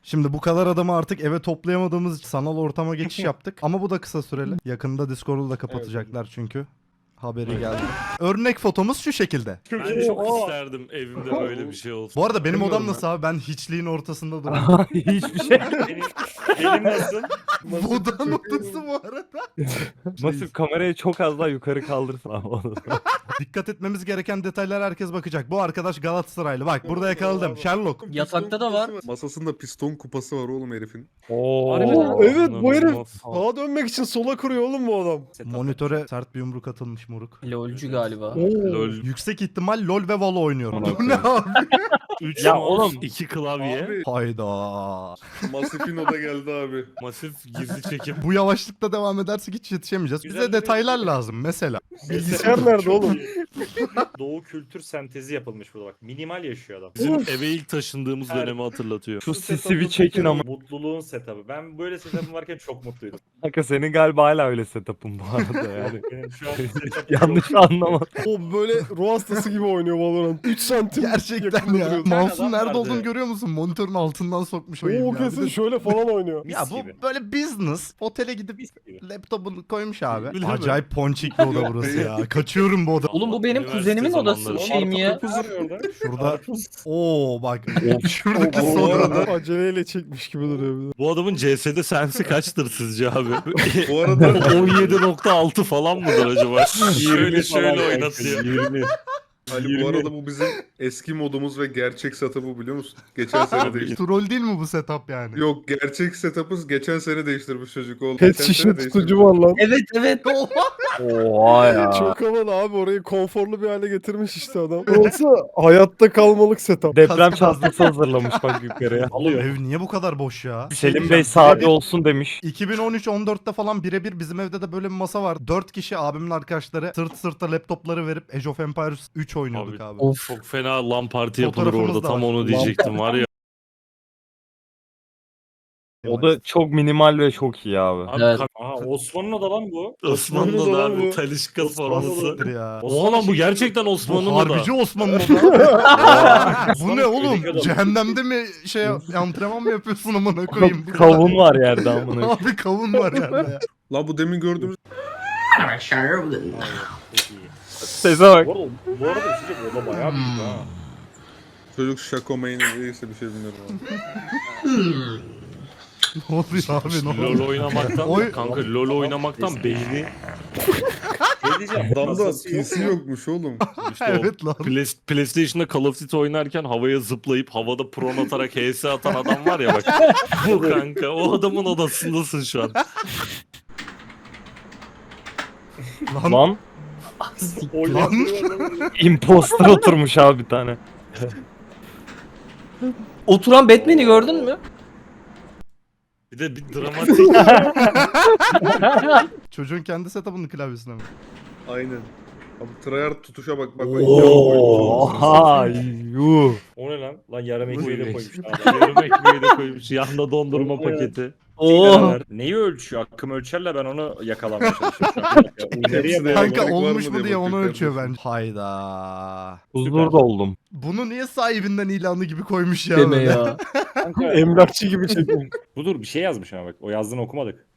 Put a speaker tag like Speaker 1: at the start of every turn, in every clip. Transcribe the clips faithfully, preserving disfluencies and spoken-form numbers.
Speaker 1: Şimdi bu kadar adamı artık eve toplayamadığımız için sanal ortama geçiş yaptık. Ama bu da kısa süreli. Yakında Discord'u da kapatacaklar çünkü. Haberi geldi. Örnek fotomuz şu şekilde.
Speaker 2: Ben çok isterdim evimde böyle bir şey olsun.
Speaker 1: Bu arada benim
Speaker 3: Bilmiyorum
Speaker 1: odam
Speaker 3: ben.
Speaker 1: nasıl abi? Ben hiçliğin ortasında duruyorum.
Speaker 4: Hiçbir şey.
Speaker 2: Benim, benim nasıl?
Speaker 1: Bu odanın odası bu arada.
Speaker 4: Masif kamerayı çok az daha yukarı kaldırsın abi.
Speaker 1: Dikkat etmemiz gereken detaylar herkes bakacak. Bu arkadaş Galatasaraylı. Bak burada yakaladım. Sherlock.
Speaker 5: Yatakta da var.
Speaker 3: Masasında piston kupası var oğlum herifin.
Speaker 4: Oo.
Speaker 6: Evet bu herif
Speaker 2: İnanılmaz.
Speaker 6: sağa dönmek için sola kuruyor oğlum bu adam.
Speaker 1: Monitöre sert bir yumruk atılmış moruk.
Speaker 5: LOL'cü galiba.
Speaker 2: LOL.
Speaker 1: Yüksek ihtimal LoL ve Valo oynuyorum.
Speaker 4: Amına
Speaker 1: Bu ne abi?
Speaker 2: üç
Speaker 4: Ya
Speaker 2: mouse,
Speaker 4: oğlum.
Speaker 2: iki klavye.
Speaker 3: Abi
Speaker 1: Hayda.
Speaker 3: Masif'in oda geldi abi.
Speaker 2: Masif gizli çekim.
Speaker 1: Bu yavaşlıkta devam edersek hiç yetişemeyeceğiz. Bize
Speaker 2: Güzel bir-
Speaker 1: detaylar lazım mesela.
Speaker 6: Bilgisayar nerede oğlum?
Speaker 7: Doğu kültür sentezi yapılmış burada bak. Minimal yaşıyor adam.
Speaker 2: Bizim eve ilk taşındığımız
Speaker 7: Her-
Speaker 2: dönemi hatırlatıyor.
Speaker 4: Şu
Speaker 7: Bu
Speaker 4: sisi
Speaker 7: setup'ın
Speaker 4: bir çekin ama.
Speaker 7: Mutluluğun setup'ı. Ben böyle setup'ım varken çok mutluydum.
Speaker 4: Kanka senin galiba hala öyle setup'ın bu arada yani.
Speaker 7: Benim şu an setup'ım
Speaker 4: Yanlış anlama.
Speaker 6: O böyle ruh hastası gibi oynuyor Valorant. üç santim.
Speaker 1: Gerçekten
Speaker 6: yakında
Speaker 1: ya.
Speaker 6: duruyor.
Speaker 1: Mouse'un
Speaker 7: adam
Speaker 1: nerede
Speaker 7: vardı.
Speaker 1: olduğunu görüyor musun? Monitörün altından sokmuş o
Speaker 6: Oo
Speaker 1: ya.
Speaker 6: kesin
Speaker 1: Bir de-
Speaker 6: şöyle falan oynuyor.
Speaker 7: Mis
Speaker 1: Ya bu
Speaker 7: gibi.
Speaker 1: böyle business. Otele gidip
Speaker 7: Mis gibi.
Speaker 1: laptopunu koymuş abi.
Speaker 2: Biliyor musun?
Speaker 1: Acayip ponçik bir oda burası ya. Kaçıyorum bu oda.
Speaker 5: Oğlum bu benim
Speaker 2: Üniversite
Speaker 5: kuzenimin odası
Speaker 2: zamanları.
Speaker 5: şey mi ya?
Speaker 7: Karpuz duruyor orada.
Speaker 1: Şurada. Oo bak. Şuradaki
Speaker 6: Bu
Speaker 1: soda.
Speaker 6: arada aceleyle çekmiş gibi duruyor bir de.
Speaker 2: Bu adamın C S'de sensi kaçtır sizce abi?
Speaker 3: Bu arada
Speaker 2: on yedi nokta altı falan mıdır acaba? şöyle
Speaker 7: yirmi
Speaker 2: şöyle
Speaker 7: falan
Speaker 2: oynatıyor.
Speaker 7: yirmi.
Speaker 3: Ali bu arada bu bizim eski modumuz ve gerçek setup'ı biliyor musun? Geçen sene değiştirdi.
Speaker 1: Troll değil mi bu setup yani?
Speaker 3: Yok gerçek setup'ı geçen sene değiştirmiş çocuk oğlum.
Speaker 6: Pet
Speaker 3: Geçen
Speaker 6: şişe
Speaker 3: sene
Speaker 6: tutucu
Speaker 3: değiştirmiş.
Speaker 6: var lan.
Speaker 5: Evet evet.
Speaker 4: Oha ya.
Speaker 6: Çok havalı abi orayı konforlu bir hale getirmiş işte adam. Olsa hayatta kalmalık setup.
Speaker 4: Deprem
Speaker 1: Kas-
Speaker 4: çantası hazırlamış bak yukarıya.
Speaker 2: Alıyor.
Speaker 1: Ev niye bu kadar boş ya?
Speaker 4: Selim Bey sade olsun demiş.
Speaker 1: iki bin on üç on dörtte falan birebir bizim evde de böyle bir masa var. dört kişi abimin arkadaşları sırt sırta laptopları verip Age of Empires üç oynuyorduk abi.
Speaker 2: Abi, Çok fena LAN parti yapılır
Speaker 1: Fotoğrafımız
Speaker 2: orada.
Speaker 1: da
Speaker 2: Tam
Speaker 1: var.
Speaker 2: onu diyecektim var ya.
Speaker 4: O da çok minimal ve çok iyi abi.
Speaker 2: Abi
Speaker 5: Evet.
Speaker 2: kap-
Speaker 7: Aha Osman'ın da lan bu.
Speaker 2: Osmanlı'da
Speaker 3: Osmanlı'da
Speaker 2: da
Speaker 3: lan
Speaker 2: abi
Speaker 3: bu.
Speaker 2: Talişka
Speaker 7: Osmanlı'da.
Speaker 2: forması.
Speaker 1: Siktir ya.
Speaker 2: Oha lan bu gerçekten
Speaker 1: Bu
Speaker 2: Osmanlı'da
Speaker 1: harbici
Speaker 2: da.
Speaker 1: Osmanlı da. Bu ne
Speaker 7: Osmanlı
Speaker 1: oğlum?
Speaker 7: köydeki adam.
Speaker 1: Cehennemde mi şey antrenman mı yapıyorsun amına koyayım? Bu
Speaker 4: Kavun var yerde amına.
Speaker 1: Abi kavun var yerde ya.
Speaker 3: La bu demin gördüğümüz
Speaker 7: Çok iyi.
Speaker 4: Sese bak.
Speaker 7: Bu arada, bu arada bir şey diyeyim, o da bayağı büyük ha.
Speaker 3: çocuk Şako Main değilse bir şey bilmiyorum abi.
Speaker 1: Ne oluyor abi ne oluyor?
Speaker 2: LoL oynamaktan
Speaker 1: Oy-
Speaker 2: kanka LoL oynamaktan beyni
Speaker 7: Ne diyeceğim?
Speaker 3: Adamda
Speaker 7: Masası yok
Speaker 3: P C
Speaker 7: ya.
Speaker 3: yokmuş oğlum.
Speaker 2: işte o
Speaker 1: Evet lan.
Speaker 2: Play- PlayStation'da Call of Duty oynarken havaya zıplayıp havada pron atarak H S atan adam var ya bak. Bu kanka o adamın odasındasın şu an.
Speaker 1: Lan,
Speaker 4: Lan
Speaker 7: Oynatıyor.
Speaker 4: imposter oturmuş abi bir tane.
Speaker 5: Oturan Batman'i gördün mü?
Speaker 2: Bir de bir dramatik
Speaker 1: çocuğun kendi setup'ının klavyesine mi?
Speaker 3: Aynen. Abi tryhard tutuşa bak bak. bak.
Speaker 4: Oha yuh.
Speaker 7: O ne lan? Lan yarım ekmeği de koymuş.
Speaker 2: yarım ekmeği de koymuş. Yanında dondurma paketi.
Speaker 5: Oo.
Speaker 7: Neyi ölçüyor? Akım ölçerle ben onu yakalamaya çalışıyorum şu an. İleriye
Speaker 3: Hepsi de-
Speaker 1: Kanka
Speaker 3: var mı
Speaker 1: olmuş
Speaker 3: diye
Speaker 1: mu diye onu
Speaker 3: bakıyor
Speaker 1: ölçüyor
Speaker 3: kardeşim.
Speaker 1: bence. Hayda.
Speaker 4: Huzurda oldum.
Speaker 1: Bunu niye sahibinden ilanı gibi koymuş ya?
Speaker 5: Deme
Speaker 1: böyle?
Speaker 5: ya.
Speaker 7: Kanka,
Speaker 6: Emlakçı gibi çekiyor.
Speaker 7: budur bir şey yazmış ama bak. O yazdığını okumadık.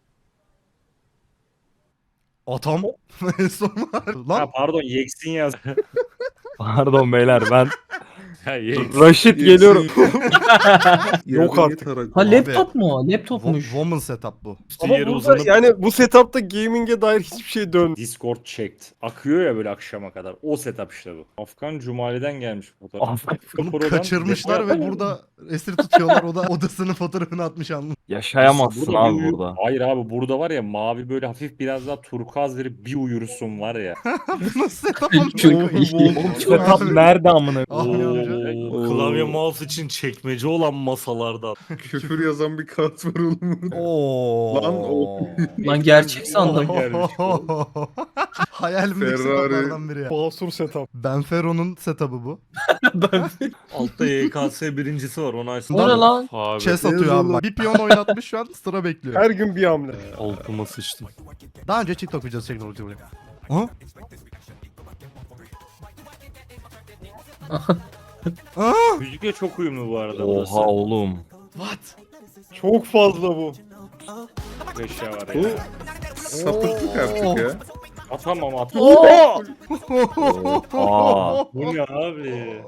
Speaker 1: Atam. En son var.
Speaker 7: Ha
Speaker 1: Lan
Speaker 7: pardon Yeksin yaz.
Speaker 4: Pardon beyler ben
Speaker 2: Ha, ye-
Speaker 4: Raşit geliyorum.
Speaker 6: Yok artık.
Speaker 5: Ha laptop mu o? Laptopmuş.
Speaker 1: wo- woman setup bu.
Speaker 6: Ama
Speaker 2: yeri
Speaker 6: burada
Speaker 2: uzanıp
Speaker 6: yani bu setupta gaming'e dair hiçbir şey dön.
Speaker 7: Discord checked. Akıyor ya böyle akşama kadar. O setup işte bu. Afgan Cumali'den gelmiş fotoğraf.
Speaker 4: Afgan-
Speaker 1: Bunu
Speaker 7: Pro'dan
Speaker 1: kaçırmışlar
Speaker 7: depo-
Speaker 1: ve burada esir tutuyorlar. O da odasının fotoğrafını atmış anladın.
Speaker 4: Yaşayamazsın
Speaker 7: Burada
Speaker 4: abi
Speaker 7: bir uyu-
Speaker 4: burada.
Speaker 7: Hayır abi burada var ya mavi böyle hafif biraz daha turkuaz verip bir uyursun var ya.
Speaker 1: Bu nasıl setup amına
Speaker 5: Çok
Speaker 1: koyayım?
Speaker 5: iyi.
Speaker 4: Setup nerede amına?
Speaker 1: Abi amca.
Speaker 2: Oo, klavye mouse için çekmece olan masalardan.
Speaker 3: Küfür yazan bir kart var oğlum.
Speaker 1: Oo.
Speaker 3: Lan o-
Speaker 5: Lan gerçek sandım.
Speaker 7: Gelmiş
Speaker 1: Hayalimdeki
Speaker 3: Ferrari.
Speaker 1: setuplardan biri ya.
Speaker 6: Basur setup.
Speaker 1: Benfero'nun setup'ı bu.
Speaker 2: Altta Y K S birincisi var onu açsın.
Speaker 5: O ne lan?
Speaker 2: Abi.
Speaker 1: Chess atıyor abi. bak. Bir piyon oynatmış şu an sıra bekliyor.
Speaker 6: Her gün bir hamle.
Speaker 2: Altıma sıçtım.
Speaker 1: Daha önce TikTok videosu çektim ulti buraya. Ha? Aa!
Speaker 7: Müzikle çok uyumlu bu arada burası.
Speaker 4: Oha oğlum.
Speaker 1: What?
Speaker 6: Çok fazla bu.
Speaker 7: Eşya var
Speaker 3: Bu
Speaker 7: ya.
Speaker 3: sapıklık artık ya.
Speaker 7: Atamam atamam.
Speaker 4: Aa.
Speaker 7: Bu ne abi?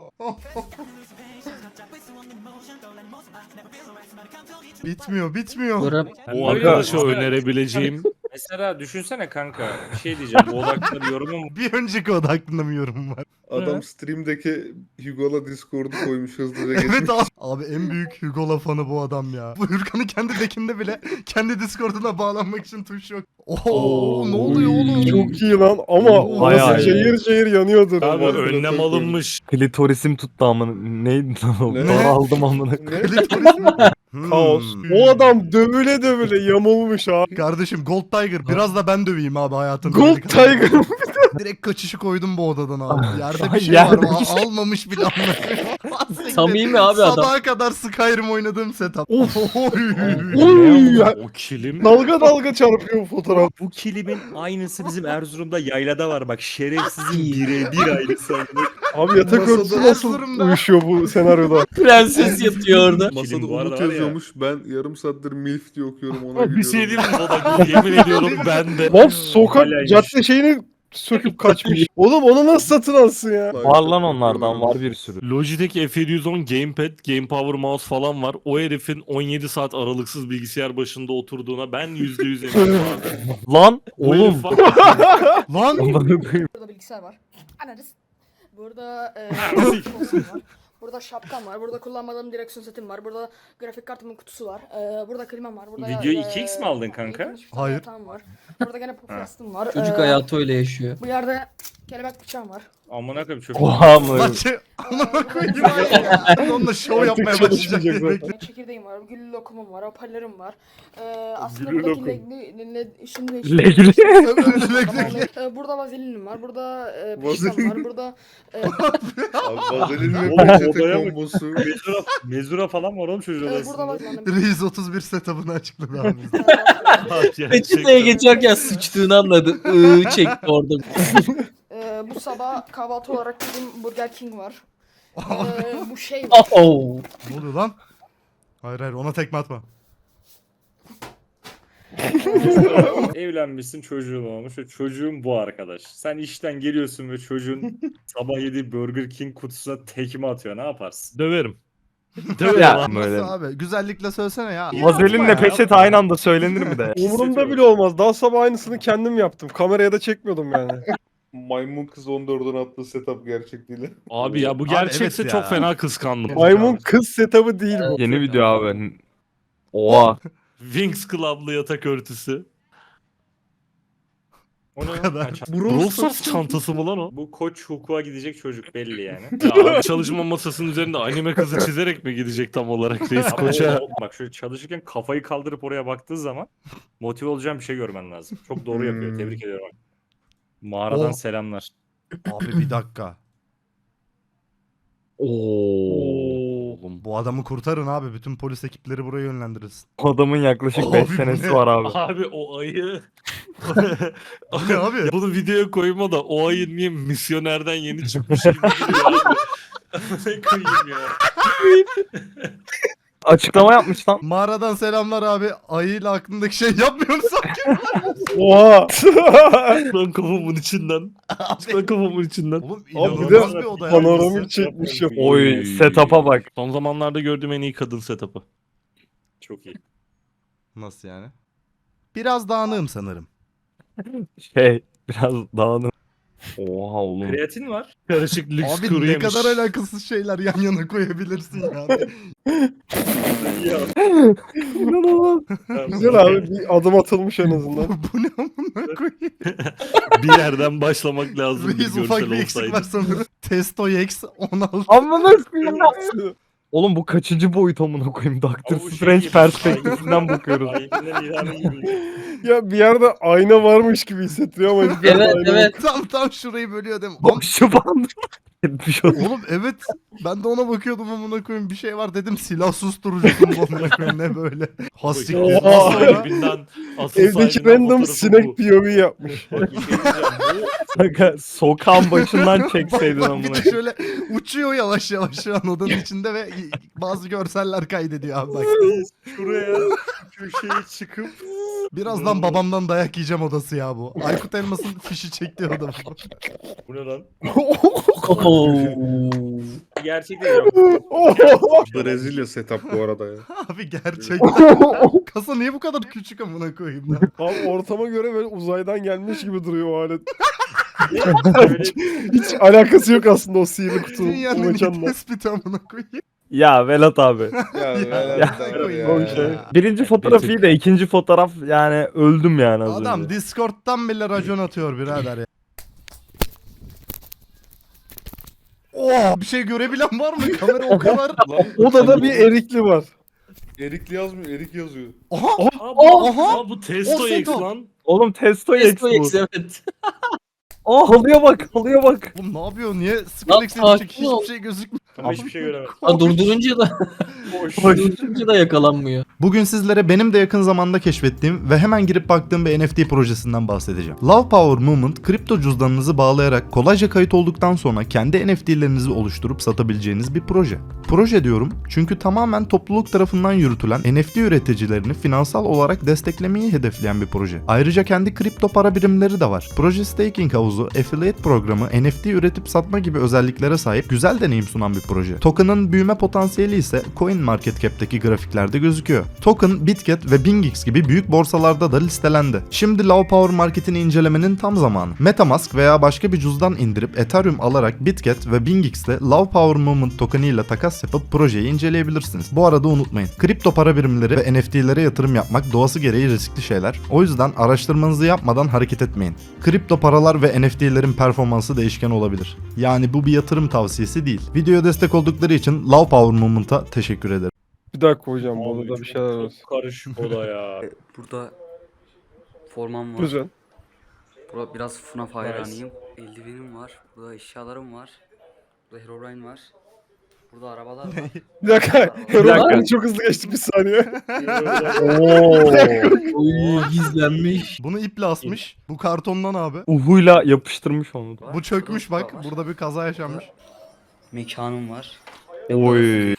Speaker 1: Bitmiyor, bitmiyor.
Speaker 5: Bura
Speaker 2: Bu
Speaker 7: Öyle
Speaker 2: arkadaşa
Speaker 7: mi?
Speaker 2: önerebileceğim
Speaker 7: Mesela düşünsene kanka. Bir şey diyeceğim. Bu oda hakkında bir yorumum var.
Speaker 1: Bir önceki oda hakkında mı yorum var?
Speaker 3: Adam stream'deki Hugo'la Discord'u koymuş hızlıca geçmiş.
Speaker 1: Evet abi. Abi en büyük Hugo lafanı bu adam ya. Bu Hürkan'ın kendi dekinde bile kendi Discord'una bağlanmak için tuş yok. Oo, ne oluyor oğlum?
Speaker 6: Çok iyi lan ama
Speaker 1: Oo,
Speaker 4: bayağı
Speaker 6: orası
Speaker 4: iyi.
Speaker 6: cayır cayır yanıyordur.
Speaker 2: abi
Speaker 6: Bak,
Speaker 2: önlem
Speaker 3: çok
Speaker 2: alınmış.
Speaker 4: Klitorisim tuttu amına. Neydi lan o?
Speaker 3: Ne?
Speaker 4: Daraldım amına.
Speaker 3: Ne?
Speaker 1: Klitoris mi? Hmm.
Speaker 6: Kaos. O adam dövüle dövüle yamulmuş abi.
Speaker 1: Kardeşim Gold Tiger biraz da ben döveyim abi hayatım.
Speaker 6: Gold Tiger.
Speaker 1: Direkt kaçışı koydum bu odadan abi. Yerde bir
Speaker 4: Ay,
Speaker 1: şey
Speaker 4: yerde
Speaker 1: var.
Speaker 4: bir
Speaker 1: Al-
Speaker 4: şey.
Speaker 1: Almamış bile anlamıyorum.
Speaker 5: Samimi abi adam.
Speaker 1: Sabaha kadar Skyrim oynadığım setup.
Speaker 6: Of.
Speaker 1: Oy.
Speaker 6: Oy ya.
Speaker 2: O kilim.
Speaker 6: Dalga dalga çarpıyor bu fotoğraf.
Speaker 7: Bu kilimin aynısı bizim Erzurum'da yaylada var. Bak şerefsizin birebir aynısı.
Speaker 6: Abi yatak
Speaker 3: Masada-
Speaker 6: örtüsü nasıl
Speaker 1: Erzurum'da.
Speaker 6: uyuşuyor bu senaryoda?
Speaker 5: Prenses yatıyor orada.
Speaker 3: Masada
Speaker 7: Kilim bu arada
Speaker 3: Umut
Speaker 7: var ya.
Speaker 3: yazıyormuş. Ben yarım saattir MILF diye okuyorum ona
Speaker 2: Bir şey
Speaker 3: gülüyorum.
Speaker 2: diyeyim mi Bodak? Yemin ediyorum ben de.
Speaker 6: Lan sokak
Speaker 7: Halaymış.
Speaker 6: cadde şeyini söküp kaçmış. Oğlum onu nasıl satın alsın ya?
Speaker 4: Var lan onlardan var bir sürü.
Speaker 2: Logitech F yedi yüz on Gamepad, Game Power Mouse falan var. O herifin on yedi saat aralıksız bilgisayar başında oturduğuna ben yüzde yüz eminim abi.
Speaker 4: Lan
Speaker 2: Bu
Speaker 4: oğlum.
Speaker 2: herif var.
Speaker 1: Lan.
Speaker 4: Amına koyayım.
Speaker 8: Burada bilgisayar var. Anarız. Burada e, konsolum var. Burada şapkam var. Burada kullanmadığım direksiyon setim var. Burada grafik kartımın kutusu var. E, burada klimam var. Burada
Speaker 7: Videoyu
Speaker 8: e,
Speaker 7: iki x mi aldın kanka?
Speaker 8: yıkılmış bir tane
Speaker 1: Hayır.
Speaker 8: yatağım var. Burada gene podcast'ım var.
Speaker 5: Çocuk
Speaker 8: E,
Speaker 5: hayatı öyle yaşıyor.
Speaker 8: Bu yerde kelebek bıçağım var.
Speaker 7: Amına koyayım çöp.
Speaker 4: Oha amına.
Speaker 1: Lan şey. Amına koyayım ya. Onunla şov yapmaya başlayacak
Speaker 6: çalışmayacak
Speaker 1: diye
Speaker 6: zaten.
Speaker 1: bekliyorum.
Speaker 8: Çekirdeğim var. Gül lokumum var. Hoparlörüm var. E, aslında
Speaker 7: Gül
Speaker 8: buradaki
Speaker 7: lokum.
Speaker 8: legli, le, şimdi
Speaker 4: Legli.
Speaker 8: E, burada vazelinim var. Burada e, peçetem
Speaker 3: Vazelin.
Speaker 8: var. Burada e,
Speaker 3: Abi vazelin ve
Speaker 7: Oğlum,
Speaker 3: peçete
Speaker 7: odaya bak.
Speaker 3: kombosu.
Speaker 7: Mezura, mezura falan var oğlum çocuğun
Speaker 8: e, burada
Speaker 7: odasında.
Speaker 8: vazelin.
Speaker 1: Reis otuz bir setup'ını açıkladı abi.
Speaker 5: Peçeteye geçerken sıçtığını anladı. Iıı çekti orada.
Speaker 8: Ee, bu sabah kahvaltı olarak bizim Burger King var. Ee, bu şey var.
Speaker 5: Oh.
Speaker 1: Ne oluyor lan? Hayır hayır ona tekme atma.
Speaker 7: Evlenmişsin çocuğun olmuş ve çocuğun bu arkadaş. Sen işten geliyorsun ve çocuğun sabah yediği Burger King kutusuna tekme atıyor. Ne yaparsın?
Speaker 2: Döverim. Döverim
Speaker 4: Ya
Speaker 2: lan.
Speaker 4: böyle.
Speaker 1: Nasıl abi? Güzellikle söylesene ya.
Speaker 4: Vazelinle peçete aynı anda söylenir mi de?
Speaker 6: Umurumda bile olmaz. Daha sabah aynısını kendim yaptım. Kameraya da çekmiyordum yani.
Speaker 3: Maymun kız on dörtten attığı setup gerçek değil.
Speaker 2: Abi ya bu
Speaker 1: Abi
Speaker 2: gerçekse
Speaker 1: evet ya.
Speaker 2: çok fena kıskandım.
Speaker 6: Maymun kız setup'ı değil bu.
Speaker 4: Yeni video abi. Oha.
Speaker 2: Wings Club'lı yatak örtüsü.
Speaker 7: O ne?
Speaker 1: kadar.
Speaker 7: Ha, çant-
Speaker 2: Brawl Stars çantası mı lan o?
Speaker 7: Bu koç hukuka gidecek çocuk belli yani.
Speaker 2: Ya abi çalışma masasının üzerinde anime kızı çizerek mi gidecek tam olarak reis
Speaker 7: Ama
Speaker 2: koça?
Speaker 7: o- bak şöyle çalışırken kafayı kaldırıp oraya baktığı zaman motive olacağın bir şey görmen lazım. Çok doğru yapıyor.
Speaker 3: Hmm.
Speaker 7: Tebrik ediyorum. Mağaradan
Speaker 1: Oh.
Speaker 7: selamlar.
Speaker 1: Abi bir dakika.
Speaker 4: Oo.
Speaker 2: Oğlum.
Speaker 1: Bu adamı kurtarın abi. Bütün polis ekipleri buraya yönlendirilsin.
Speaker 4: Adamın yaklaşık
Speaker 1: Abi
Speaker 4: beş
Speaker 1: bu
Speaker 4: senesi
Speaker 1: ne?
Speaker 4: var abi.
Speaker 2: Abi o ayı.
Speaker 1: Bu ne abi?
Speaker 2: Bunu videoya koyma da o ayı niye misyonerden yeni çıkmış gibi duruyor abi. Ne koyayım ya.
Speaker 4: Açıklama yapmış lan.
Speaker 1: Mağaradan selamlar abi. Ayıyla aklındaki şey yapmıyor musun?
Speaker 6: Oha.
Speaker 2: Lan kafamın içinden. Lan kafamın içinden.
Speaker 1: Oğlum
Speaker 6: Abi bir
Speaker 1: inanılmaz
Speaker 6: de
Speaker 1: bir oda ya.
Speaker 6: panoramik çekmiş ya.
Speaker 4: Oy setup'a bak.
Speaker 2: Son zamanlarda gördüğüm en iyi kadın setup'ı.
Speaker 7: Çok iyi.
Speaker 1: Nasıl yani? Biraz dağınığım sanırım.
Speaker 4: Şey biraz dağınım. Oha oğlum.
Speaker 7: Kreatin var.
Speaker 2: Karışık lüks
Speaker 1: Abi
Speaker 2: kuru
Speaker 1: ne
Speaker 2: yemiş.
Speaker 1: kadar alakasız şeyler yan yana koyabilirsin ya.
Speaker 4: İnanılmaz.
Speaker 6: Güzel abi bir adım atılmış en azından.
Speaker 1: Bu ne amına koyayım?
Speaker 2: Bir yerden başlamak lazım.
Speaker 1: Reis
Speaker 2: bir
Speaker 1: ufak
Speaker 2: görsel
Speaker 1: bir eksik
Speaker 2: olsaydı.
Speaker 1: var sanırım. Testo X on altı.
Speaker 4: Amına koyayım. Oğlum bu kaçıncı boyut amına koyayım? Doctor
Speaker 7: Ama bu şey
Speaker 4: Strange
Speaker 7: gibi,
Speaker 4: perspektifinden bakıyoruz.
Speaker 7: Aynen ilanı gibi.
Speaker 6: Ya bir yerde ayna varmış gibi hissettiriyor ama hiçbir yerde
Speaker 5: Evet
Speaker 6: ayna yok.
Speaker 5: evet.
Speaker 1: Tam tam şurayı bölüyor değil mi? Am-
Speaker 4: Boşu bandı. Bir şey oldu.
Speaker 1: Oğlum evet. Ben de ona bakıyordum amına koyayım. Bir şey var dedim. Silah susturucusu mu amına koyayım ne böyle. Hastiktir.
Speaker 6: Oha.
Speaker 1: Nasıl ya?
Speaker 2: Evinden asıl
Speaker 6: Evdeki
Speaker 2: sahibinden
Speaker 6: random
Speaker 2: fotoğrafı
Speaker 6: sinek
Speaker 2: bu.
Speaker 6: P O V yapmış.
Speaker 7: Bak bir şey diyeceğim.
Speaker 4: Kanka sokağın başından
Speaker 1: Bak
Speaker 4: çekseydin
Speaker 1: bak
Speaker 4: amına
Speaker 1: bir de
Speaker 4: koyayım.
Speaker 1: şöyle uçuyor yavaş yavaş şu an odanın içinde ve bazı görseller kaydediyor abi bak.
Speaker 7: Şuraya köşeye çıkıp
Speaker 1: Birazdan babamdan dayak yiyeceğim odası ya bu. Aykut Elmas'ın fişi çektiği oda bu.
Speaker 7: bu ne lan?
Speaker 5: Oo.
Speaker 7: Gerçek değil yok.
Speaker 3: Brezilya setup bu arada ya.
Speaker 1: Abi gerçekten. Kasa niye bu kadar küçük amına koyayım lan?
Speaker 6: Abi ortama göre böyle uzaydan gelmiş gibi duruyor o alet.
Speaker 7: Böyle
Speaker 6: Hiç alakası yok aslında o sihirli kutunun
Speaker 1: Dünyanın
Speaker 6: o
Speaker 1: en iyi
Speaker 6: mekanla.
Speaker 1: tespiti amına koyayım.
Speaker 4: Ya Velat abi.
Speaker 3: Ya,
Speaker 1: Ya,
Speaker 3: ya,
Speaker 6: o şey.
Speaker 4: Birinci fotoğraf iyi de ikinci fotoğraf yani öldüm yani az
Speaker 1: Adam
Speaker 4: önce.
Speaker 1: Discord'dan bile racon atıyor birader ya. Oh, bir şey görebilen var mı? Kamera o kadar.
Speaker 6: Odada bir erikli var.
Speaker 3: Erik yazmıyor, Erik yazıyor.
Speaker 1: Aha!
Speaker 2: Aa, bu,
Speaker 1: Aha!
Speaker 2: aa, bu Testo
Speaker 1: O
Speaker 2: X
Speaker 1: Seto.
Speaker 2: lan.
Speaker 4: Oğlum testo X
Speaker 5: Testo
Speaker 4: bu.
Speaker 5: X evet.
Speaker 4: Aa halıya bak halıya bak.
Speaker 1: Oğlum ne yapıyor? Niye
Speaker 5: Lan
Speaker 1: Skrillex
Speaker 5: sakin
Speaker 1: hiçbir
Speaker 5: ol.
Speaker 1: şey gözükmüyor?
Speaker 7: ama hiçbir şey göremedim.
Speaker 5: Ha, durdurunca da
Speaker 7: Boş.
Speaker 5: durdurunca da yakalanmıyor.
Speaker 1: Bugün sizlere benim de yakın zamanda keşfettiğim ve hemen girip baktığım bir N F T projesinden bahsedeceğim. Love Power Movement, kripto cüzdanınızı bağlayarak kolayca kayıt olduktan sonra kendi N F T'lerinizi oluşturup satabileceğiniz bir proje. Proje diyorum çünkü tamamen topluluk tarafından yürütülen N F T üreticilerini finansal olarak desteklemeyi hedefleyen bir proje. Ayrıca kendi kripto para birimleri de var. Proje staking havuzu, affiliate programı, N F T üretip satma gibi özelliklere sahip güzel deneyim sunan bir proje. Token'ın büyüme potansiyeli ise CoinMarketCap'teki grafiklerde gözüküyor. Token, Bitget ve BingX gibi büyük borsalarda da listelendi. Şimdi Love Power Market'ini incelemenin tam zamanı. MetaMask veya başka bir cüzdan indirip Ethereum alarak Bitget ve BingX'le Love Power Movement token'iyle takas yapıp projeyi inceleyebilirsiniz. Bu arada unutmayın. Kripto para birimleri ve N F T'lere yatırım yapmak doğası gereği riskli şeyler. O yüzden araştırmanızı yapmadan hareket etmeyin. Kripto paralar ve N F T'lerin performansı değişken olabilir. Yani bu bir yatırım tavsiyesi değil. Videoya destek oldukları için Love Power Movement'a teşekkür ederim.
Speaker 6: Bir dakika hocam bu
Speaker 7: Abi
Speaker 6: odada bir
Speaker 7: çok-
Speaker 6: şeyler var.
Speaker 7: çok karışık oda ya.
Speaker 9: Burada formam var.
Speaker 6: Güzel.
Speaker 9: Burada biraz F N A F hayranıyım. Eldivenim var. Burada eşyalarım var. Burada Herobrine var. Burada arabalar var.
Speaker 6: Bir dakika.
Speaker 4: Bir dakika.
Speaker 6: Herobrine çok hızlı geçtik bir saniye.
Speaker 4: Oo.
Speaker 5: Uy gizlenmiş.
Speaker 1: Bunu iple asmış. Bu kartondan abi.
Speaker 4: Uhuyla yapıştırmış onu. da.
Speaker 1: Bu çökmüş
Speaker 9: Burada
Speaker 1: bak.
Speaker 9: var.
Speaker 1: Burada bir kaza yaşanmış.
Speaker 9: Mekanım var.
Speaker 4: Oy.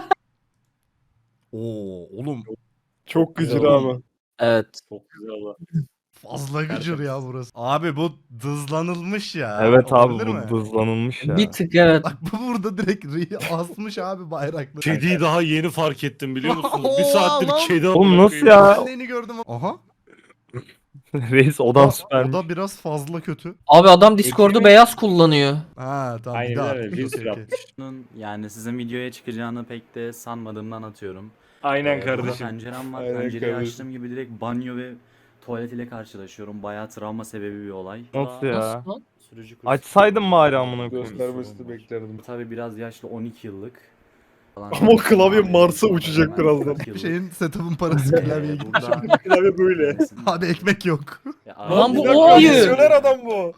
Speaker 1: Oo oğlum
Speaker 6: Çok gıcır
Speaker 7: Güzel.
Speaker 6: abi.
Speaker 5: Evet.
Speaker 7: Çok güzel oda.
Speaker 1: fazla gıcır ya burası. Abi bu dızlanılmış ya.
Speaker 4: Evet abi
Speaker 1: Olabilir mi?
Speaker 4: bu hızlanılmış ya.
Speaker 5: Bir tık evet.
Speaker 1: Bak bu burada direkt ri- asmış abi bayrakları.
Speaker 2: Kediyi daha yeni fark ettim biliyor musunuz?
Speaker 1: Oo,
Speaker 2: Bir saattir
Speaker 1: lan.
Speaker 2: kedi
Speaker 4: Oğlum
Speaker 2: amına
Speaker 4: nasıl
Speaker 2: koyayım.
Speaker 4: ya?
Speaker 1: Ben de yeni gördüm. Aha.
Speaker 4: Reis odan süpermiş.
Speaker 1: O da biraz fazla kötü.
Speaker 5: Abi adam Discord'u beyaz kullanıyor.
Speaker 1: Ha tamam bir
Speaker 7: Aynen
Speaker 1: daha.
Speaker 7: öyle.
Speaker 1: Okey,
Speaker 7: Cinsel
Speaker 1: okey.
Speaker 7: yapmış.
Speaker 10: Bunun yani sizin videoya çıkacağını pek de sanmadığımdan atıyorum.
Speaker 7: Aynen
Speaker 10: Ee, burada
Speaker 7: kardeşim.
Speaker 10: pencerem var.
Speaker 3: Aynen
Speaker 10: Pencereyi
Speaker 3: kardeşim.
Speaker 10: açtığım gibi direkt banyo ve tuvalet ile karşılaşıyorum. Bayağı travma sebebi bir olay.
Speaker 4: Nasıl ya?
Speaker 5: Nasıl lan?
Speaker 10: Sürücü kursu-
Speaker 4: Açsaydın bari amına koyayım.
Speaker 3: Göstermesini beklerdim.
Speaker 10: Tabii biraz yaşlı on iki yıllık. Falan.
Speaker 6: Ama o klavye Mars'a uçacak birazdan.
Speaker 1: Bir şeyin setup'ın parası klavyeye gitti.
Speaker 10: Burada...
Speaker 7: Klavye böyle.
Speaker 1: Abi ekmek yok.
Speaker 10: Ya,
Speaker 5: Lan bu
Speaker 10: abi-
Speaker 5: o ayı.
Speaker 6: Misyoner adam bu.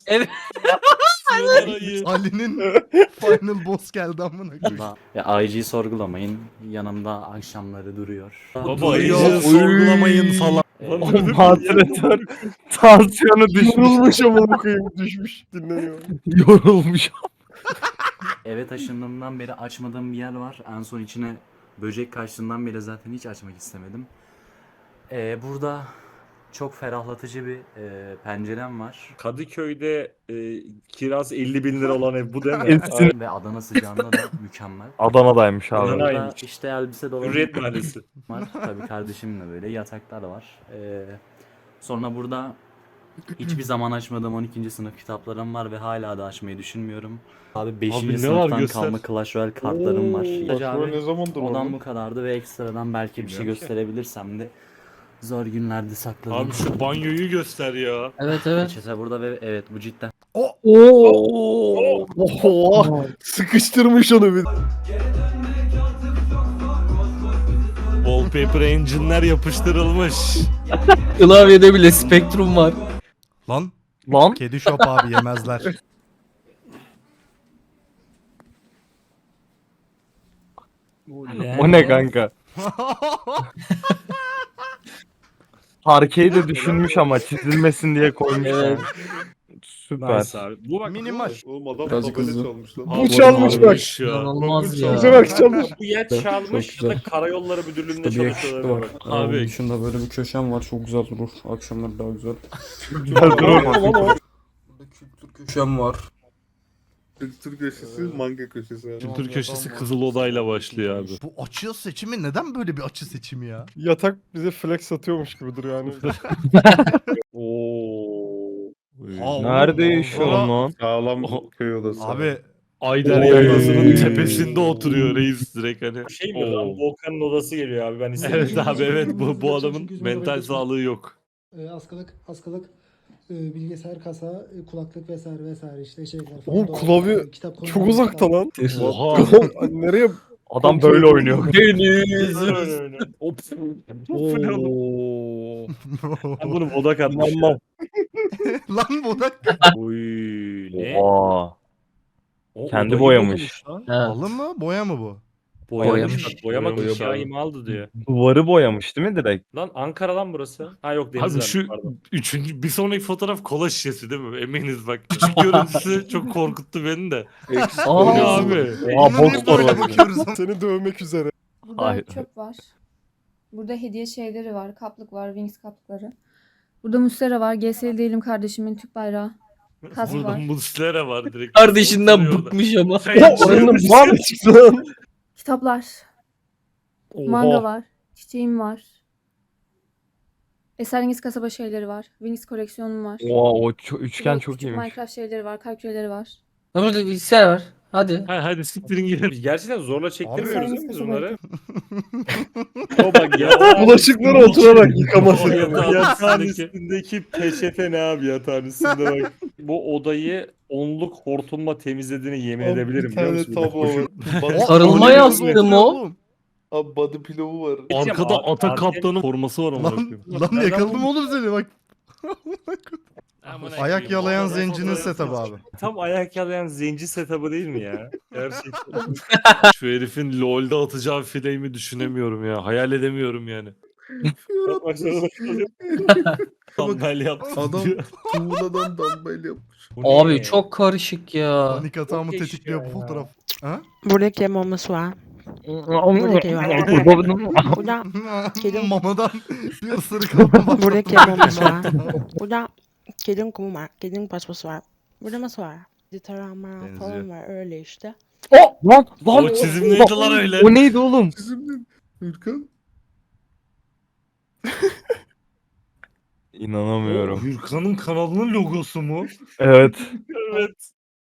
Speaker 1: Ali'nin final boss geldi amına koyayım.
Speaker 10: Burada- Ya I G'yi sorgulamayın. Yanımda akşamları duruyor.
Speaker 2: Baba iyice sorgulamayın falan.
Speaker 10: Ee,
Speaker 4: O moderatör tansiyonu düşmüş.
Speaker 6: Yorulmuş amına koyayım düşmüş dinleniyor.
Speaker 4: Yorulmuş.
Speaker 10: Eve taşındığımdan beri açmadığım bir yer var. En son içine böcek kaçtığından beri zaten hiç açmak istemedim. Ee, burada çok ferahlatıcı bir e, pencerem var.
Speaker 7: Kadıköy'de e, kiraz elli bin lira olan ev bu değil mi?
Speaker 4: Kesin.
Speaker 10: Ve Adana sıcağında da mükemmel.
Speaker 4: Adana'daymış abi.
Speaker 7: Adana-
Speaker 10: Burada
Speaker 7: Adana'ymış.
Speaker 10: işte elbise dolabı
Speaker 7: Hürriyet Mahallesi.
Speaker 10: var. Tabii kardeşimle böyle yataklar var. Ee, sonra burada hiçbir zaman açmadığım on ikinci sınıf kitaplarım var ve hala da açmayı düşünmüyorum. Abi beşinci
Speaker 2: ne var
Speaker 10: sınıftan
Speaker 2: göster.
Speaker 10: kalma Clash Royale kartlarım var.
Speaker 3: Bak
Speaker 10: Abi,
Speaker 3: böyle ne zamandır
Speaker 10: Odam
Speaker 3: oğlum?
Speaker 10: bu kadardı ve ekstradan belki bir şey
Speaker 2: Bilmiyorum ki.
Speaker 10: gösterebilirsem de zor günlerde sakladım.
Speaker 2: Abi şu banyoyu göster ya.
Speaker 5: Evet evet.
Speaker 10: Peçete burada ve evet bu cidden
Speaker 6: Oo. Oha. Sıkıştırmış onu bir.
Speaker 2: Wallpaper engine'ler yapıştırılmış.
Speaker 5: Klavyede bile spektrum var.
Speaker 1: Lan
Speaker 4: Lan
Speaker 1: kedi shop abi yemezler.
Speaker 4: o ne kanka? Parkeyi de düşünmüş ama çizilmesin diye koymuş.
Speaker 5: Evet.
Speaker 4: yani. Süper.
Speaker 7: Nice abi. Bu bak
Speaker 1: Minimal.
Speaker 3: Oğlum adam
Speaker 5: Birazcık
Speaker 3: tabela
Speaker 5: hızlı.
Speaker 3: çalmış lan.
Speaker 6: Bu çalmış bak.
Speaker 2: Çalmış ya.
Speaker 5: İnanılmaz ya.
Speaker 6: Bize bak çalmış.
Speaker 7: bu ya
Speaker 5: Çok
Speaker 7: çalmış ya da
Speaker 5: güzel.
Speaker 7: Karayolları Müdürlüğü'nde
Speaker 5: Şurada bir yakışıklı
Speaker 7: çalışıyorlar.
Speaker 5: var.
Speaker 7: Bak.
Speaker 2: Abi.
Speaker 5: Abi. Dışında böyle bir köşem var. Çok güzel durur. Akşamları daha güzel. Burada kültür köşem var.
Speaker 3: Kültür köşesi, manga köşesi. abi.
Speaker 2: Kültür köşesi Kızıl Oda'yla başlıyor abi.
Speaker 1: Bu açı seçimi neden böyle bir açı seçimi ya?
Speaker 6: Yatak bize flex satıyormuş gibi duruyor yani.
Speaker 7: Oo.
Speaker 1: Aa,
Speaker 4: Nerede
Speaker 1: oğlum,
Speaker 4: yaşıyorum lan?
Speaker 3: Sağlam
Speaker 2: Oh.
Speaker 3: köy odası.
Speaker 1: Abi
Speaker 2: Ayder
Speaker 7: Oy.
Speaker 2: Yaylası'nın tepesinde oturuyor reis direkt hani.
Speaker 7: Şey mi?
Speaker 2: Oo.
Speaker 7: Rambo Okan'ın odası geliyor abi ben istemiyorum.
Speaker 2: Evet abi evet bu, bu adamın mental sağlığı yok.
Speaker 11: E, askılık, askılık, e, bilgisayar kasa, e, kulaklık vesaire vesaire işte şeyler falan.
Speaker 6: Oğlum
Speaker 11: Doğal-
Speaker 6: klavye
Speaker 11: e, kitap
Speaker 6: Çok
Speaker 11: konuları
Speaker 6: uzakta
Speaker 11: falan.
Speaker 6: lan.
Speaker 2: Oha.
Speaker 6: Oğlum, Nereye?
Speaker 4: Adam böyle oynuyor.
Speaker 7: Deniz. Hop.
Speaker 4: Oo.
Speaker 7: Ben bunu bodak atmış.
Speaker 4: İnanmam.
Speaker 1: Lan bu da
Speaker 7: Uy. Ne?
Speaker 4: Oha.
Speaker 7: O
Speaker 4: Kendi
Speaker 7: odayı
Speaker 4: boyamış.
Speaker 7: boyamış lan.
Speaker 5: Ha.
Speaker 1: halı mı boya mı bu?
Speaker 7: Boyamış.
Speaker 5: Boyamış.
Speaker 7: Bak, boyamak
Speaker 2: Boyamış
Speaker 7: inşa
Speaker 2: abi.
Speaker 7: imaldı diyor.
Speaker 4: Duvarı boyamış değil mi direkt?
Speaker 7: Lan Ankara lan burası. Ha yok Deniz
Speaker 2: Abi şu
Speaker 7: pardon.
Speaker 2: üçüncü bir sonraki fotoğraf kola şişesi değil mi? Eminiz bak. Küçük görüntüsü çok korkuttu beni de.
Speaker 3: Eksik
Speaker 2: Bu ne
Speaker 5: Aa.
Speaker 2: abi?
Speaker 4: Aa
Speaker 1: Bunu
Speaker 4: box
Speaker 1: niye böyle
Speaker 4: var.
Speaker 1: bakıyoruz ama?
Speaker 6: Seni dövmek üzere.
Speaker 12: Burada
Speaker 4: Hayır.
Speaker 12: çöp var. Burada hediye şeyleri var. Kaplık var. Wings kaplıkları. Burada Mustera var. G S L değilim kardeşimin Türk bayrağı. Kas
Speaker 2: Burada
Speaker 12: var.
Speaker 2: Muslera var direkt.
Speaker 5: Kardeşinden
Speaker 2: Oturuyor orada.
Speaker 5: bıkmış ama.
Speaker 2: Sen-
Speaker 6: Oranın var çıktı lan.
Speaker 12: Kitaplar.
Speaker 4: Oha.
Speaker 12: Manga var. Çiçeğim var. Eserengiz kasaba şeyleri var. Wings koleksiyonum var.
Speaker 4: Oha o ço- üçgen
Speaker 12: Burada
Speaker 4: çok
Speaker 12: küçük
Speaker 4: iyiymiş.
Speaker 12: Minecraft şeyleri var. Kalp küreleri var.
Speaker 5: Lan burada bilgisayar var. Hadi.
Speaker 2: Ha, hadi siktirin gidin.
Speaker 7: Biz gerçekten zorla çektirmiyoruz değil mi biz
Speaker 12: Abi-
Speaker 7: bunları? O bak ya.
Speaker 6: Bulaşıkları oturarak yıkaması.
Speaker 2: Yatağın
Speaker 7: Yatağın
Speaker 2: üstündeki-
Speaker 7: üstündeki peçete ne abi yatağın üstünde bak. Bu odayı onluk hortumla temizlediğini yemin edebilirim
Speaker 3: Bir
Speaker 7: biliyor
Speaker 3: tane
Speaker 7: musun?
Speaker 3: tabu var. Body-
Speaker 5: Sarılma
Speaker 1: Öyle
Speaker 5: yastığım
Speaker 1: gözüküyor
Speaker 5: o.
Speaker 1: oğlum.
Speaker 3: Abi body pillow var.
Speaker 2: Arkada
Speaker 7: Abi,
Speaker 2: ata
Speaker 7: abi-
Speaker 2: kaptanın forması var ama.
Speaker 1: Lan, lan yakaladım oğlum seni bak. Ayak yalayan zencinin setup'ı abi.
Speaker 7: Tam ayak yalayan zenci setup'ı değil mi ya? Gerçekten.
Speaker 2: Şu herifin LoL'da atacağı flame'i düşünemiyorum ya. Hayal edemiyorum yani.
Speaker 7: Bak, bak, bak, bak.
Speaker 2: Dumbbell yaptı
Speaker 3: Adam
Speaker 2: diyor.
Speaker 3: tuğladan dumbbell yapmış.
Speaker 7: Bu ne?
Speaker 5: Abi çok karışık ya.
Speaker 1: Panik atağımı
Speaker 7: geç
Speaker 1: tetikliyor
Speaker 7: ya.
Speaker 1: bu fotoğraf. Ha?
Speaker 11: Burada kemamız var. Burada kedim,
Speaker 1: Mamadan bir ısırık aldım.
Speaker 11: burada kemamız var. Burada kedin kumu var. Kedin paspası var. Burada masa var. Ditarama
Speaker 1: Benziyor.
Speaker 11: falan var öyle işte.
Speaker 4: Oh lan lan.
Speaker 2: O çizim neydi lan öyle?
Speaker 4: O neydi oğlum?
Speaker 3: Çizimden. Hürkan.
Speaker 4: İnanamıyorum.
Speaker 2: Hürkan'ın kanalının logosu mu?
Speaker 4: Evet.
Speaker 2: Evet.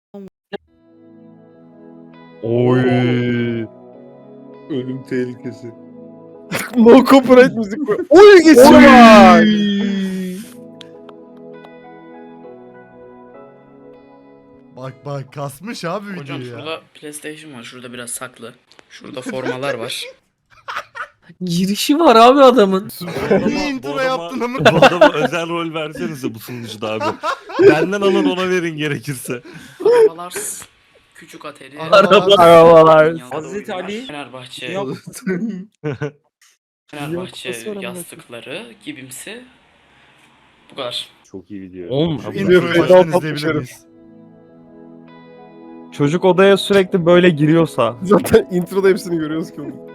Speaker 4: Oy.
Speaker 3: Ölüm tehlikesi.
Speaker 6: No copyright müzik koy. Oy geçiyor bak.
Speaker 1: Bak bak kasmış abi
Speaker 5: Hocam
Speaker 1: videoyu ya.
Speaker 5: şurada PlayStation var. Şurada biraz saklı. Şurada formalar var. Girişi var abi adamın.
Speaker 1: Niye intro yaptın ama?
Speaker 2: Bu adama özel rol versenize bu sunucuda abi. Benden alın ona verin gerekirse.
Speaker 5: Arabalar. Küçük ateri.
Speaker 1: Arabalar.
Speaker 4: Arabalar.
Speaker 7: Hazreti Ali.
Speaker 5: Fenerbahçe.
Speaker 7: Yok.
Speaker 5: Fenerbahçe
Speaker 6: Yok, nasıl
Speaker 5: yastıkları gibimsi. Bu kadar.
Speaker 7: Çok iyi video.
Speaker 4: Oğlum
Speaker 1: Şu
Speaker 6: Abi,
Speaker 1: introyu
Speaker 6: feda
Speaker 1: baştan
Speaker 6: patmış
Speaker 1: izleyebilir
Speaker 6: herif.
Speaker 1: miyiz?
Speaker 4: çocuk odaya sürekli böyle giriyorsa.
Speaker 6: Zaten introda hepsini görüyoruz ki oğlum.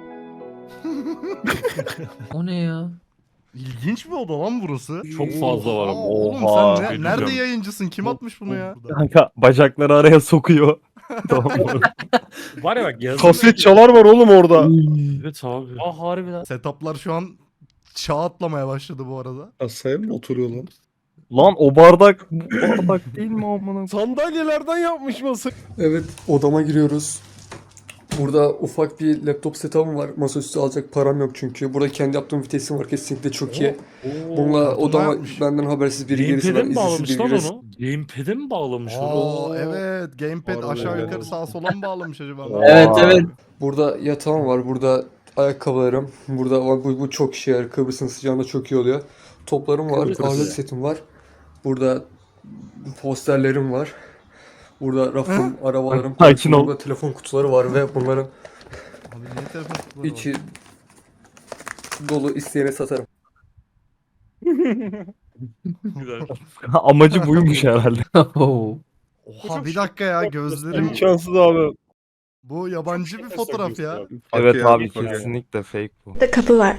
Speaker 5: O ne ya?
Speaker 1: İlginç bir oda lan burası.
Speaker 2: Çok fazla var
Speaker 1: Aa,
Speaker 2: ama.
Speaker 1: oğlum
Speaker 4: Oha.
Speaker 1: sen ne-
Speaker 2: Bilmiyorum.
Speaker 1: nerede yayıncısın? Kim atmış bunu ya?
Speaker 4: Kanka bacakları araya sokuyor. Tamam.
Speaker 7: Var ya bak yazın.
Speaker 6: Kaset çalar var oğlum orada.
Speaker 2: Evet abi.
Speaker 7: Ah harbiden.
Speaker 1: Setuplar şu an çağ atlamaya başladı bu arada.
Speaker 3: Asaya mı oturuyor lan?
Speaker 4: Lan o bardak bu bardak değil mi amına?
Speaker 6: Sandalyelerden yapmış masa.
Speaker 5: Evet odama giriyoruz. Burada ufak bir laptop setup'ım var. Masaüstü alacak param yok çünkü. Burada kendi yaptığım vitesim var kesinlikle çok iyi. Bununla
Speaker 1: kartonlar
Speaker 5: odama
Speaker 1: yapmış.
Speaker 5: benden habersiz biri gelirse
Speaker 2: Gamepad'e
Speaker 5: ben
Speaker 2: mi bağlamış
Speaker 5: izinsiz
Speaker 2: lan
Speaker 5: biri gelirse.
Speaker 2: onu? Gamepad'e mi bağlamış onu?
Speaker 1: Aa evet. Gamepad
Speaker 3: Harbiden
Speaker 1: aşağı
Speaker 3: öyle.
Speaker 1: yukarı sağa sola mı bağlamış acaba?
Speaker 5: Evet
Speaker 4: Aa.
Speaker 5: evet. Burada yatağım var. Burada ayakkabılarım. Burada bu, bu çok işe yarar. Kıbrıs'ın sıcağında çok iyi oluyor. Toplarım var.
Speaker 3: Kıbrıs.
Speaker 5: Alet setim var. Burada posterlerim var. Burada rafım, arabalarım,
Speaker 4: Sakin ol.
Speaker 5: burada telefon kutuları var ve bunların
Speaker 1: Abi niye telefon kutuları var?
Speaker 5: içi dolu isteyene satarım.
Speaker 2: Güzel.
Speaker 4: Amacı buymuş herhalde.
Speaker 1: Oha bir dakika ya gözlerim.
Speaker 6: İmkansız abi.
Speaker 1: Bu yabancı bir fotoğraf ya.
Speaker 4: Evet
Speaker 3: Okey
Speaker 4: abi
Speaker 3: okey.
Speaker 4: kesinlikle fake bu.
Speaker 11: Burada kapı var.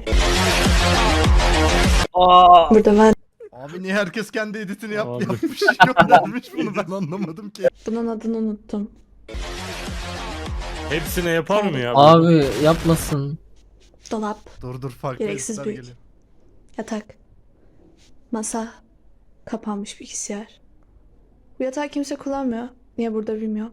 Speaker 4: Aa,
Speaker 11: Burada ben.
Speaker 1: Abi niye herkes kendi editini yap
Speaker 2: Abi.
Speaker 1: yapmış göndermiş bunu ben anlamadım ki.
Speaker 11: Bunun adını unuttum.
Speaker 2: Hepsine yapar mı ya?
Speaker 13: Abi yapmasın.
Speaker 11: Dolap,
Speaker 1: Dur dur farklı
Speaker 11: Gereksiz
Speaker 1: editler
Speaker 11: büyük.
Speaker 1: geliyor.
Speaker 11: yatak, masa, kapanmış bilgisayar. Bu yatağı kimse kullanmıyor. Niye burada bilmiyorum.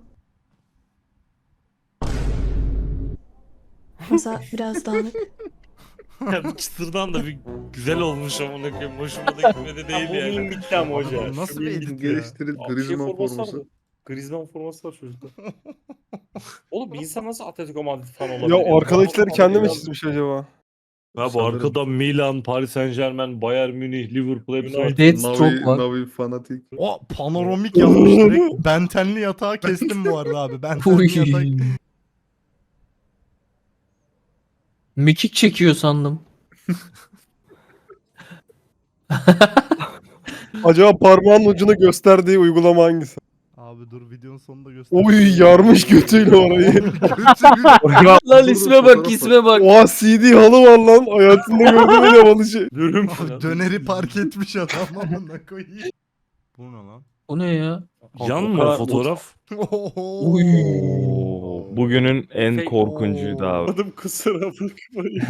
Speaker 11: Masa biraz dağınık.
Speaker 2: Ya bu çıtırdan da bir güzel olmuş amına koyayım. Hoşuma da gitmedi değil
Speaker 7: Bu
Speaker 2: yani.
Speaker 7: meme bitti ama
Speaker 1: Abi
Speaker 7: hoca.
Speaker 1: bu nasıl
Speaker 7: Şu
Speaker 1: bir
Speaker 7: meme
Speaker 1: edit
Speaker 7: bitti.
Speaker 1: ya?
Speaker 3: Geliştirin
Speaker 7: Abi şey
Speaker 3: Griezmann
Speaker 7: forması
Speaker 3: forması.
Speaker 7: vardı. Griezmann forması var çocukta. Oğlum bir insan nasıl Atletico Madrid fan olabilir?
Speaker 6: Ya
Speaker 7: ya?
Speaker 6: arkadakileri kendi mi
Speaker 7: Ya.
Speaker 6: çizmiş acaba?
Speaker 2: Ha bu
Speaker 3: Sanırım.
Speaker 2: arkada Milan, Paris Saint Germain, Bayern Münih, Liverpool hepsi var.
Speaker 13: Dead çok
Speaker 3: Navi,
Speaker 13: var.
Speaker 3: Navi fanatik.
Speaker 1: O panoramik yapmış direkt. Bentenli yatağı kestim bu arada abi.
Speaker 13: Uy.
Speaker 1: Bentenli yatak.
Speaker 13: Mekik çekiyor sandım.
Speaker 6: Acaba parmağın ucunu gösterdiği uygulama hangisi?
Speaker 1: Abi dur videonun sonunda göster.
Speaker 6: Oy yarmış götüyle orayı.
Speaker 1: Götü-
Speaker 13: Lan isme bak isme bak.
Speaker 6: Oha C D halı var lan. Hayatında gördüğüm en havalı şey.
Speaker 2: Dürüm
Speaker 1: Abi
Speaker 2: falan.
Speaker 1: döneri park etmiş adam amına koyayım. Bu ne lan?
Speaker 13: O ne ya?
Speaker 2: Yan mı o fotoğraf?
Speaker 1: Oho.
Speaker 13: Uy.
Speaker 4: Oo, bugünün en
Speaker 7: Fake-
Speaker 4: korkuncuydu abi.
Speaker 7: Adım kusura bakmayın.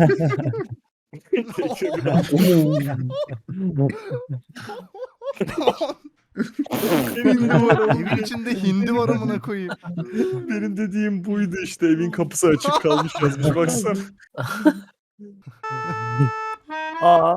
Speaker 1: Evin, evin içinde hindi var amına koyayım.
Speaker 7: Benim dediğim buydu işte. Evin kapısı açık kalmış yazmış. Baksana.
Speaker 4: Aa.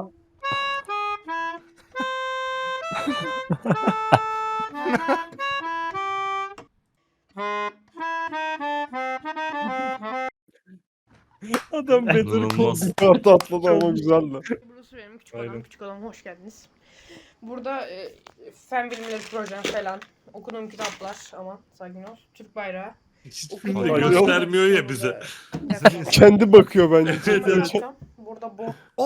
Speaker 7: Adam Better Call
Speaker 2: İnanılmaz.
Speaker 6: Kartı atladı ama güzeldi.
Speaker 8: Burası benim küçük
Speaker 7: Aynen.
Speaker 8: odam, küçük odam. Hoş geldiniz. Burada e, fen bilimleri projem falan, okuduğum kitaplar ama sakin ol. Türk bayrağı.
Speaker 2: Hiçbirini
Speaker 8: okuduğum-
Speaker 2: de göstermiyor ya bize.
Speaker 6: Kendi bakıyor bence.
Speaker 2: Evet, evet.
Speaker 8: Burada bu.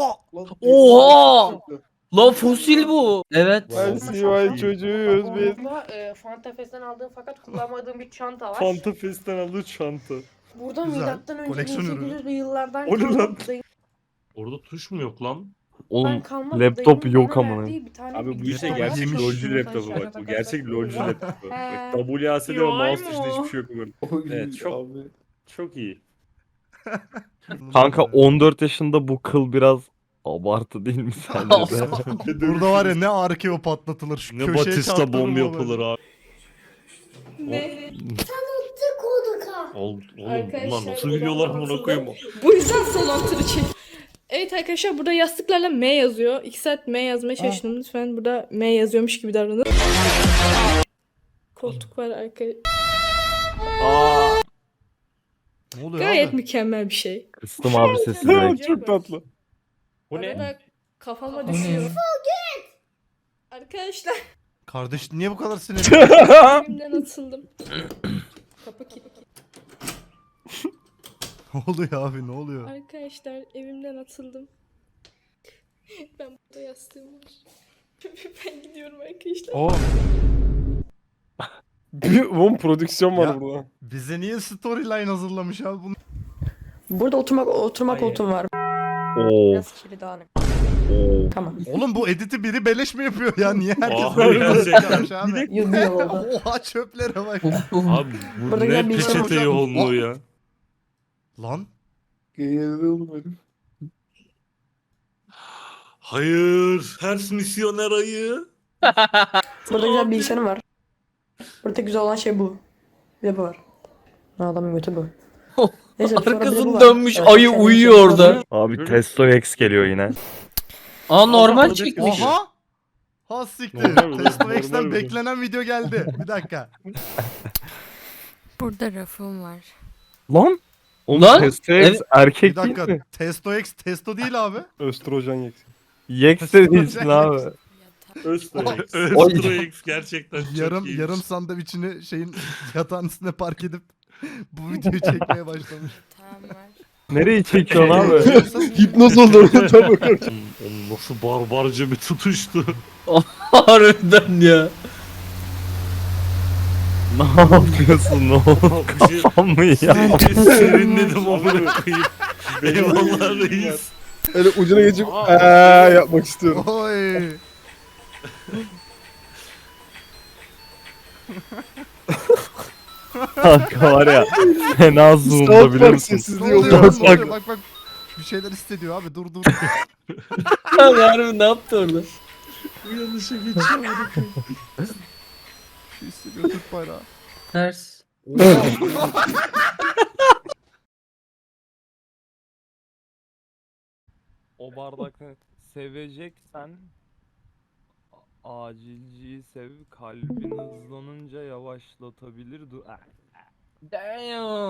Speaker 13: Oha! Lan fosil bu. Evet.
Speaker 6: Ben C Y çocuğuyuz biz.
Speaker 8: Burada e, Fanta Fest'ten aldığım fakat kullanmadığım bir çanta var.
Speaker 7: Fanta Fest'ten aldığı çanta.
Speaker 8: Burada
Speaker 1: Güzel.
Speaker 8: milattan önce
Speaker 1: Koleksiyon
Speaker 8: bin
Speaker 1: ürünü.
Speaker 8: sekiz yüzlü yıllardan
Speaker 7: O ne
Speaker 8: kalma
Speaker 7: lan?
Speaker 8: dayı-
Speaker 2: Orada tuş mu yok lan?
Speaker 4: Oğlum
Speaker 8: kalma
Speaker 4: laptop
Speaker 8: dayımın
Speaker 4: yok
Speaker 8: bana
Speaker 4: amına.
Speaker 8: verdiği bir tane
Speaker 7: Abi bu
Speaker 8: bilgisayar
Speaker 7: işte
Speaker 8: var.
Speaker 7: gerçek
Speaker 1: yemiş.
Speaker 7: LoL'cu
Speaker 8: Şunu
Speaker 7: laptopu
Speaker 8: şarja
Speaker 7: bak. Bu
Speaker 8: takarsak-
Speaker 7: gerçek LoL'cu
Speaker 8: Oha.
Speaker 7: laptopu.
Speaker 8: He.
Speaker 7: Bak W A S D ve
Speaker 8: Vay
Speaker 7: mouse
Speaker 8: mı
Speaker 7: tuşunda
Speaker 8: o?
Speaker 7: hiçbir şey yok bunun. Evet çok çok iyi.
Speaker 4: Kanka on dört yaşında bu kıl biraz abartı değil mi sence de?
Speaker 1: Burada var ya ne arkeo patlatılır. Şu
Speaker 2: Ne
Speaker 1: köşeye
Speaker 2: Batista
Speaker 1: çarptırır
Speaker 2: bomb
Speaker 1: mı
Speaker 2: yapılır abi.
Speaker 8: Ne?
Speaker 2: Oğlum, oğlum
Speaker 8: Arkadaşlar,
Speaker 2: bunlar nasıl
Speaker 8: bu da
Speaker 2: biliyorlar bunu
Speaker 8: nasıl-
Speaker 2: koyayım?
Speaker 8: Bu yüzden salon turu çek. Evet arkadaşlar burada yastıklarla M yazıyor. İki saat M yazmaya çalıştım. Lütfen burada M yazıyormuş gibi davranın. Koltuk var arkadaşlar.
Speaker 1: Ne oluyor
Speaker 8: Gayet
Speaker 1: abi?
Speaker 8: mükemmel bir şey.
Speaker 4: Kıstım abi sesi direkt.
Speaker 6: Çok tatlı.
Speaker 7: Bu ne?
Speaker 8: Arada kafama
Speaker 13: Bu ne?
Speaker 8: düşüyor. Arkadaşlar
Speaker 1: Kardeş niye bu kadar sinirli?
Speaker 8: evimden atıldım. Kapı kilitli.
Speaker 1: Ne oluyor abi ne oluyor?
Speaker 8: Arkadaşlar evimden atıldım. Ben burada yastığım var. Ben gidiyorum arkadaşlar.
Speaker 6: Aa. Bir oğlum prodüksiyon var
Speaker 1: Ya.
Speaker 6: burada.
Speaker 1: Bize niye storyline hazırlamış abi bunu?
Speaker 11: Burada oturmak oturma
Speaker 8: Hayır.
Speaker 11: koltuğum var.
Speaker 4: Oo.
Speaker 8: Biraz kirli dağınık.
Speaker 4: Oo.
Speaker 11: Tamam.
Speaker 1: Oğlum bu editi biri beleş mi yapıyor ya? Niye herkes
Speaker 2: Abi,
Speaker 1: böyle
Speaker 2: gerçekten.
Speaker 1: yapmış abi?
Speaker 11: Yıl bir yıl oldu.
Speaker 1: Oha çöplere bak.
Speaker 13: Uf, uf.
Speaker 2: Abi bu
Speaker 11: Burada
Speaker 2: ne
Speaker 11: güzel bir şey
Speaker 2: peçete
Speaker 1: var.
Speaker 2: yoğunluğu ya.
Speaker 1: Lan
Speaker 3: Geğirdi oğlum herif.
Speaker 2: Hayır. Ters misyoner ayı.
Speaker 11: Burada güzel bilgisayarım var. Burada güzel olan şey bu. Bir de bu var. Ha, adamın götü bu. Neyse, sonra bir de bu
Speaker 13: Arkasını
Speaker 11: var.
Speaker 13: dönmüş
Speaker 11: Evet,
Speaker 13: ayı
Speaker 11: kendi
Speaker 13: uyuyor
Speaker 11: şey-
Speaker 13: orada.
Speaker 4: Abi Testo X geliyor yine.
Speaker 13: Aa normal
Speaker 2: Allah'ım,
Speaker 13: çekmiş.
Speaker 1: oha! Ha siktir.
Speaker 2: Normal bu,
Speaker 1: Testo
Speaker 2: normal
Speaker 1: X'ten
Speaker 2: bu.
Speaker 1: beklenen video geldi. Bir dakika.
Speaker 11: Burada rafım var.
Speaker 4: Lan? Oğlum
Speaker 13: Lan?
Speaker 4: Testo X
Speaker 13: Evet.
Speaker 4: erkek
Speaker 1: Bir
Speaker 4: değil
Speaker 1: dakika.
Speaker 4: mi?
Speaker 1: Testo X testo değil abi.
Speaker 6: Östrojen yeksi.
Speaker 4: Yex de değilsin abi.
Speaker 7: Öztürk.
Speaker 2: Östro X gerçekten çok
Speaker 1: yarım
Speaker 2: iyiymiş.
Speaker 1: yarım sandviçini şeyin yatağın üstüne park edip bu videoyu çekmeye başlamış.
Speaker 11: Tamam var.
Speaker 4: Nereyi çekiyorsun abi?
Speaker 6: Hipnoz oldu orada bakıyor.
Speaker 2: Onun Nasıl barbarca bir tutuştu.
Speaker 13: Harbiden ya.
Speaker 4: Ne yapıyorsun oğlum?
Speaker 2: Bir şey-
Speaker 4: Kafam mı ya?
Speaker 2: Serinledim amına koyayım. Eyvallah reis.
Speaker 6: Öyle ucuna geçip eee yapmak istiyorum.
Speaker 1: Oy.
Speaker 4: Kanka var ya. Fena zoom'da
Speaker 6: South
Speaker 4: biliyor
Speaker 6: Park
Speaker 4: musun?
Speaker 6: sessizliği
Speaker 1: Ne oluyor?
Speaker 6: oluyor.
Speaker 1: lan?
Speaker 4: Bak,
Speaker 1: Ne oluyor?
Speaker 4: bak.
Speaker 1: Bak bak. Bir şeyler hissediyor abi. Dur dur.
Speaker 13: Abi harbi ne yaptı orada?
Speaker 2: Uyanışa geçiyor.
Speaker 1: Bir şey hissediyor Türk bayrağı.
Speaker 13: Ters.
Speaker 4: O bardakı seveceksen a- acilciyi sev, kalbin hızlanınca yavaşlatabilir. Du-
Speaker 13: Damn.